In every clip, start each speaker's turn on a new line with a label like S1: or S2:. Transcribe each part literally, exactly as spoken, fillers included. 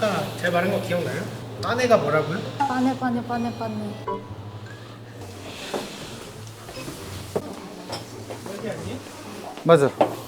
S1: 아까 제가 말한 거 기억나요? 빠네가 뭐라고요?
S2: 빠네 빠네 빠네 빠네.
S1: 여기 아니?
S3: 맞아.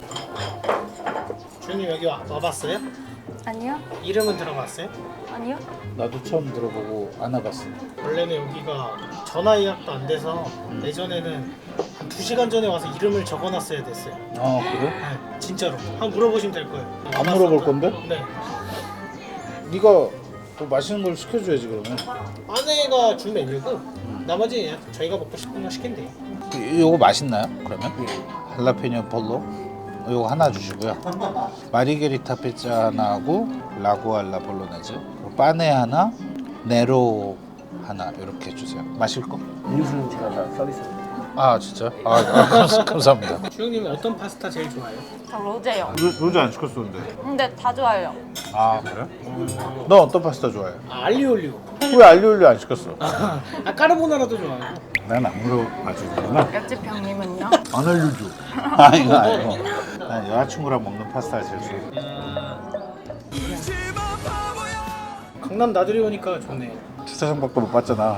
S1: 주님 여기 와, 와봤어요?
S2: 아니요?
S1: 이름은 들어봤어요?
S2: 아니요?
S3: 나도 처음 들어보고 안 와봤어.
S1: 원래는 여기가 전화 예약도 안 돼서 예전에는 한 두 시간 전에 와서 이름을 적어놨어야 됐어요.
S3: 아 그래?
S1: 네, 진짜로. 한번 물어보시면 될 거예요.
S3: 안 물어볼 건데?
S1: 네.
S3: 네가 뭐 맛있는 걸 시켜줘야지 그러면.
S1: 아내가 준 메뉴고 나머지 그냥 저희가 먹고 싶은 거 시키면 돼요.
S3: 이- 이거 맛있나요? 그러면? 할라피뇨 폴로 이거 하나 주시고요. 마리게리타 피자 하나하고 라구알라 볼로네즈, 빠네 하나, 네로 하나 이렇게 주세요. 마실 거?
S4: 음료수는 제가 다 서비스합니다.
S3: 아 진짜? 아, 아 감- 감사합니다.
S1: 주영님은 어떤 파스타 제일 좋아해요?
S2: 저 로제요.
S3: 로, 로제 안 시켰었는데.
S2: 근데 다 좋아해요.
S3: 아 그래? 너 어떤 파스타 좋아해?
S1: 아, 알리올리오.
S3: 왜 알리올리오 안 시켰어?
S1: 아, 까르보나라도 좋아하고.
S3: 난 안 물어봐주는구나.
S2: 옆집 형님은요?
S3: 안 알려줘. 아 이거 아니고. 난 여자친구랑 먹는 파스타 제일 좋아해.
S1: 강남 나들이 오니까 좋네요.
S3: 주차장밖에 못 봤잖아.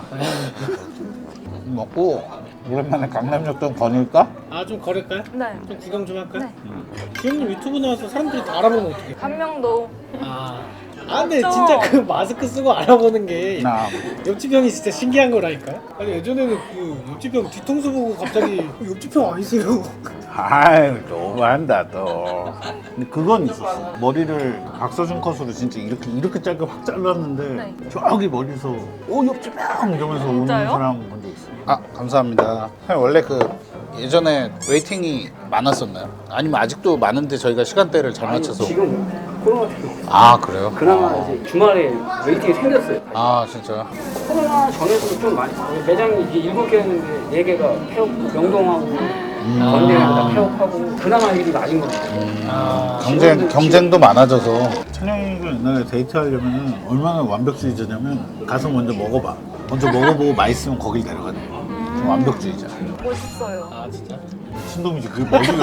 S3: 먹고 오랜만에 강남역도 거닐까?
S1: 아, 좀 걸을까요?
S2: 네.
S1: 좀 구경 좀 할까요?
S2: 네.
S1: 주영님 유튜브 나와서 사람들이 다 알아보면 어떡해?
S2: 한명도
S1: 아, 아 근데
S2: 맞죠?
S1: 진짜 그 마스크 쓰고 알아보는 게
S3: 나
S1: 옆집 형이 진짜 신기한 거라니까요? 아니 예전에는 그 옆집 형 뒤통수 보고 갑자기 어, 옆집 형 아니세요?
S3: 아유 너무한다 또. 근데 그건 있었어. 머리를 박서준 컷으로 진짜 이렇게 이렇게 짧게 확 잘랐는데
S2: 네.
S3: 저기 멀리서 오 옆집 형 이러면서 오는
S2: 진짜요?
S3: 사람 본 적 있어. 아 감사합니다. 원래 그 예전에 웨이팅이 많았었나요? 아니면 아직도 많은데 저희가 시간대를 잘 맞춰서.
S4: 지금 코로나 때문에
S3: 아 그래요?
S4: 그나마 이제 주말에 웨이팅이 생겼어요.
S3: 아 진짜.
S4: 코로나 전에도 좀 많이 매장이 이제 일곱 개였는데 네 개가 폐업, 명동하고 건대랑 다 폐업하고 그나마 일이 맞은 겁니다.
S1: 아,
S3: 경쟁 경쟁도 많아져서. 찬영이가 옛날에 데이트하려면 얼마나 완벽주의자냐면 가서 먼저 먹어봐. 먼저 먹어보고 맛있으면 거길 데려가는 거야. 좀 완벽주의자.
S2: 멋있어요.
S1: 아 진짜?
S3: 신동이지 그게 머리를.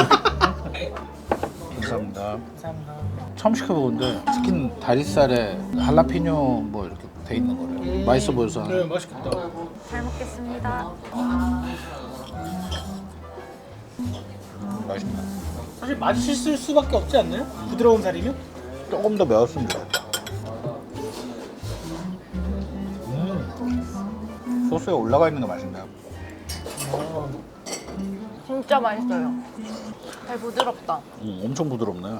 S3: 감사합니다.
S1: 감사합니다.
S3: 처음 시켜보는데 치킨 다리살에 할라피뇨 뭐 이렇게 돼 있는 거래요. 맛있어 보여서.
S1: 네, 맛있겠다.
S2: 잘 먹겠습니다.
S3: 맛있네.
S1: 사실 맛있을 수밖에 없지 않나요? 부드러운 살이면?
S3: 조금 더 매웠으면 좋겠다. 음. 소스에 올라가 있는 게 맛있네요.
S1: 어,
S2: 진짜 맛있어요. 잘 부드럽다.
S3: 음, 엄청 부드럽네.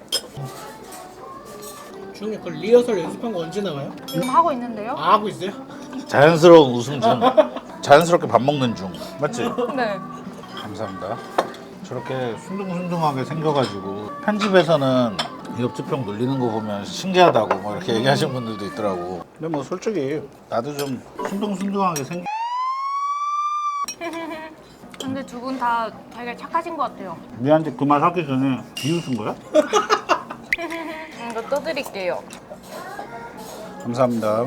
S1: 주영님 그 리허설 연습한 거 언제 나와요?
S2: 지금 하고 있는데요?
S1: 아 하고 있어요?
S3: 자연스러운 웃음 중. 자연스럽게 밥 먹는 중. 맞지?
S2: 네.
S3: 감사합니다. 저렇게 순둥순둥하게 생겨가지고 편집에서는 옆집 형 놀리는 거 보면 신기하다고 뭐 이렇게 얘기하시는 분들도 있더라고. 근데 뭐 솔직히 나도 좀 순둥순둥하게 생겨.
S2: 근데 두 분 다 되게 착하신 것 같아요.
S3: 니한테 그 말 하기 전에 비웃은 거야?
S2: 이거 떠드릴게요.
S3: 감사합니다.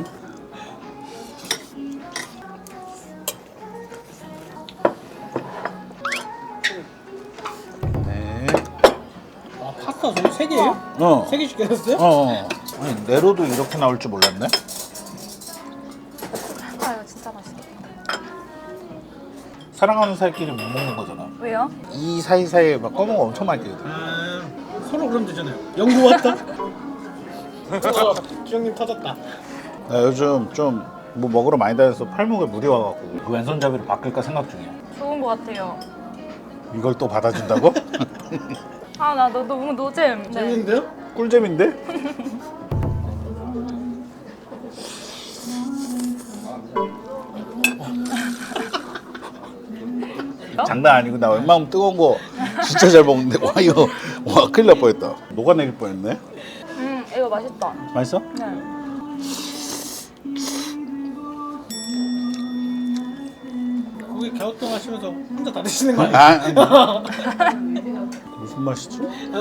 S3: 네.
S1: 아 파스타 저기 세 개예요?
S3: 어.
S1: 세 개 시켰어요?
S3: 어. 아니 네로도 이렇게 나올 줄 몰랐네.
S2: 아 이거 진짜 맛있겠다.
S3: 사랑하는 사이끼리 못 먹는 거잖아.
S2: 왜요?
S3: 이 사이사이에 막 검은 거 엄청 많이 끼거든.
S1: 아 서로 그러면 되잖아요. 연구 왔다. 어, 주영님 터졌다.
S3: 나 요즘 좀 뭐 먹으러 많이 다녀서 팔목에 물이 와갖고 그 왼손잡이로 바꿀까 생각 중이야.
S2: 좋은 것 같아요.
S3: 이걸 또 받아준다고?
S2: 아 나 너 너무 노잼. 네.
S1: 재밌는데요?
S3: 꿀잼인데? 장난 아니고 나 웬만하면 뜨거운 거 진짜 잘 먹는데 와 이거 와 큰일 날 뻔했다. 녹아내릴 뻔했네.
S2: 음 이거 맛있다.
S3: 맛있어?
S2: 네.
S1: 거기 갸우뚱 하시면서 혼자 다 드시는 거
S3: 아,
S1: 아니에요?
S3: 아니. 무슨 맛이지?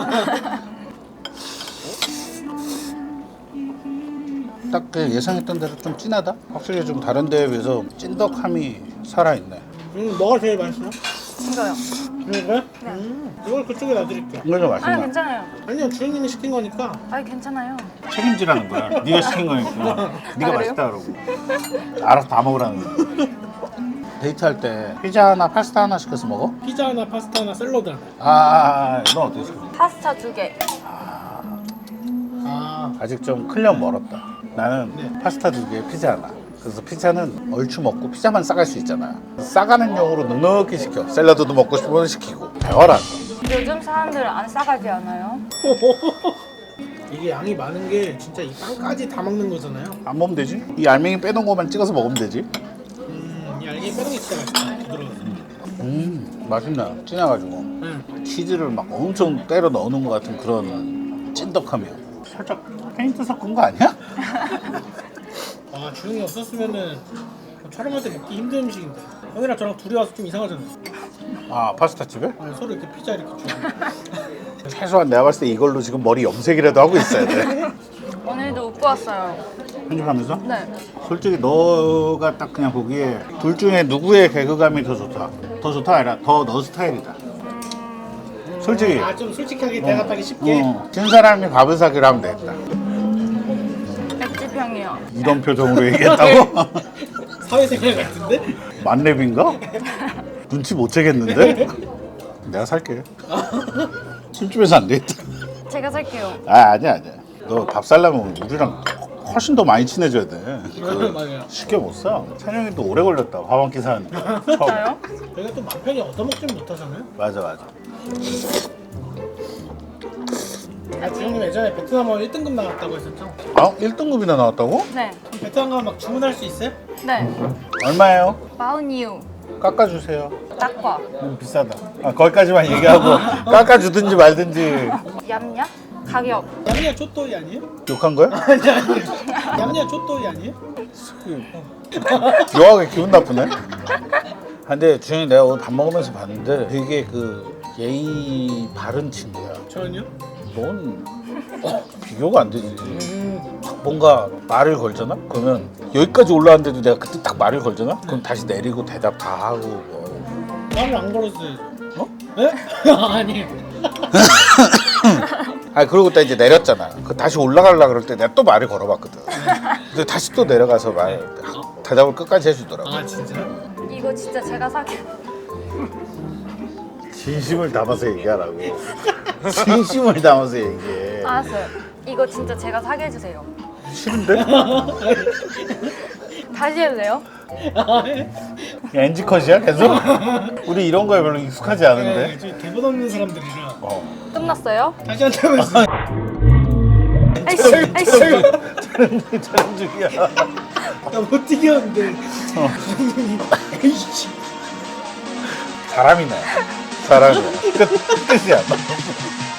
S3: 딱 그 예상했던 대로 좀 진하다? 확실히 좀 다른 데에 비해서 찐덕함이 살아있네.
S1: 음, 뭐가 제일 맛있어요?
S2: 이거요.
S1: 이거? 음, 이걸 그쪽에 놔드릴게요.
S3: 이거 좀
S2: 아
S3: 맛있나?
S2: 괜찮아요.
S1: 아니요, 주인님이 시킨 거니까.
S2: 아 괜찮아요.
S3: 책임지라는 거야. 네가 시킨 거니까. 네가
S2: 그래요?
S3: 맛있다 그러고. 알아서 다 먹으라는 거야. 데이트할 때 피자 하나 파스타 하나 시켜서 먹어?
S1: 피자 하나, 파스타 하나, 샐러드 하나.
S3: 아, 아, 아, 너 어떻게 시켜?
S2: 파스타 두 개.
S1: 아,
S3: 아직 좀 클리언 멀었다. 나는
S1: 네.
S3: 파스타 두 개, 피자 하나. 그래서 피자는 얼추 먹고 피자만 싸갈 수 있잖아. 싸가는 용으로 넉넉히 시켜. 샐러드도 먹고 싶으면 시키고. 배워라.
S2: 요즘 사람들 안 싸가지 않아요?
S1: 이게 양이 많은 게 진짜 이 빵까지 다 먹는 거잖아요.
S3: 안 먹으면 되지? 이 알맹이 빼놓은 것만 찍어서 먹으면 되지.
S1: 음, 이 알갱이 빼는 게 진짜 맛있다. 부드러워서.
S3: 음, 맛있네. 진해가지고.
S1: 응.
S3: 치즈를 막 엄청 때려 넣는 것 같은 그런 찐덕함이야. 살짝 페인트 섞은 거 아니야?
S1: 아, 주영이 없었으면은 촬영할 때 먹기 힘든 음식인데. 형이랑 저랑 둘이 와서 좀 이상하잖아요.
S3: 아, 파스타 집에?
S1: 아, 서로 이렇게 피자 이렇게 주고.
S3: 최소한 내가 봤을 때 이걸로 지금 머리 염색이라도 하고 있어야 돼.
S2: 오늘도 웃고 왔어요.
S3: 편집하면서?
S2: 네.
S3: 솔직히 너가 딱 그냥 보기에 둘 중에 누구의 개그감이 더 좋다. 더 좋다 아니라 더 너 스타일이다. 솔직히.
S1: 아, 좀 솔직하게 대답하기 쉽게.
S3: 어, 진 사람이 밥을 사기로 하면 되겠다.
S2: 백지평이요.
S3: 이런 표정으로 얘기했다고?
S1: 사회생활 같은데?
S3: 만렙인가? 눈치 못 채겠는데? 내가 살게. 술집에서 안 되겠다.
S2: 제가 살게요.
S3: 아, 아니야 아니야. 너 밥 살려면 우리랑 훨씬 더 많이 친해져야 돼.
S1: 맞아요.
S3: 쉽게 못 사. 찬영이 또 오래 걸렸다. 밥 한 끼 사는데.
S2: 진짜요?
S1: 저희가 또 맘 편히 얻어먹진 못하잖아요.
S3: 맞아 맞아.
S1: 아, 주영님 예전에 베트남 하면 일 등급 나갔다고 했었죠?
S3: 아, 일 등급이나 나왔다고?
S2: 네.
S1: 그럼 베트남 가면 막 주문할 수 있어요?
S2: 네.
S3: 얼마예요?
S2: 마흔이유.
S3: 깎아주세요.
S2: 딱과.
S3: 음, 비싸다. 아, 거기까지만 얘기하고 깎아주든지 말든지.
S2: 얌얌? 가격.
S1: 얌야 쪼또이 아니에요?
S3: 욕한 거야?
S1: 아니 아니. 얌야 쪼또이 아니에요?
S3: 묘하게 기분 나쁘네. 근데 주영이 내가 오늘 밥 먹으면서 봤는데 되게 그 예의 바른 친구야.
S1: 저는요?
S3: 넌 비교가 안 되지.
S1: 음,
S3: 뭔가 말을 걸잖아? 그러면 여기까지 올라왔는데도 내가 그때 딱 말을 걸잖아? 그럼 다시 내리고 대답 다 하고 뭐.
S1: 말을 안 걸었어요.
S3: 어?
S1: 네? 아니에요.
S3: 아 그러고 또 이제 내렸잖아. 그 다시 올라가려 그럴 때 내가 또 말을 걸어봤거든. 근데 다시 또 내려가서 말 대답을 끝까지 해주더라고.
S1: 아 진짜?
S2: 이거 진짜 제가 사게.
S3: 진심을 담아서 얘기하라고. 진심을 담아서 얘기해.
S2: 알았어요. 이거 진짜 제가 사게 해주세요.
S3: 싫은데?
S2: 다시 해도 돼요?
S3: 엔지 컷이야 계속? 우리 이런 거에 별로 익숙하지
S1: 네,
S3: 않은데.
S1: 저희 대본 없는 사람들이라.
S3: 어.
S2: 끝났어요?
S1: 다시 한다면서.
S2: 아이씨, 아이씨.
S3: 촬영 촬영 중이야.
S1: 나못 뛰겼는데.
S3: 어.
S1: 에이씨.
S3: 사람이네. 사람이야. 끝 끝이야.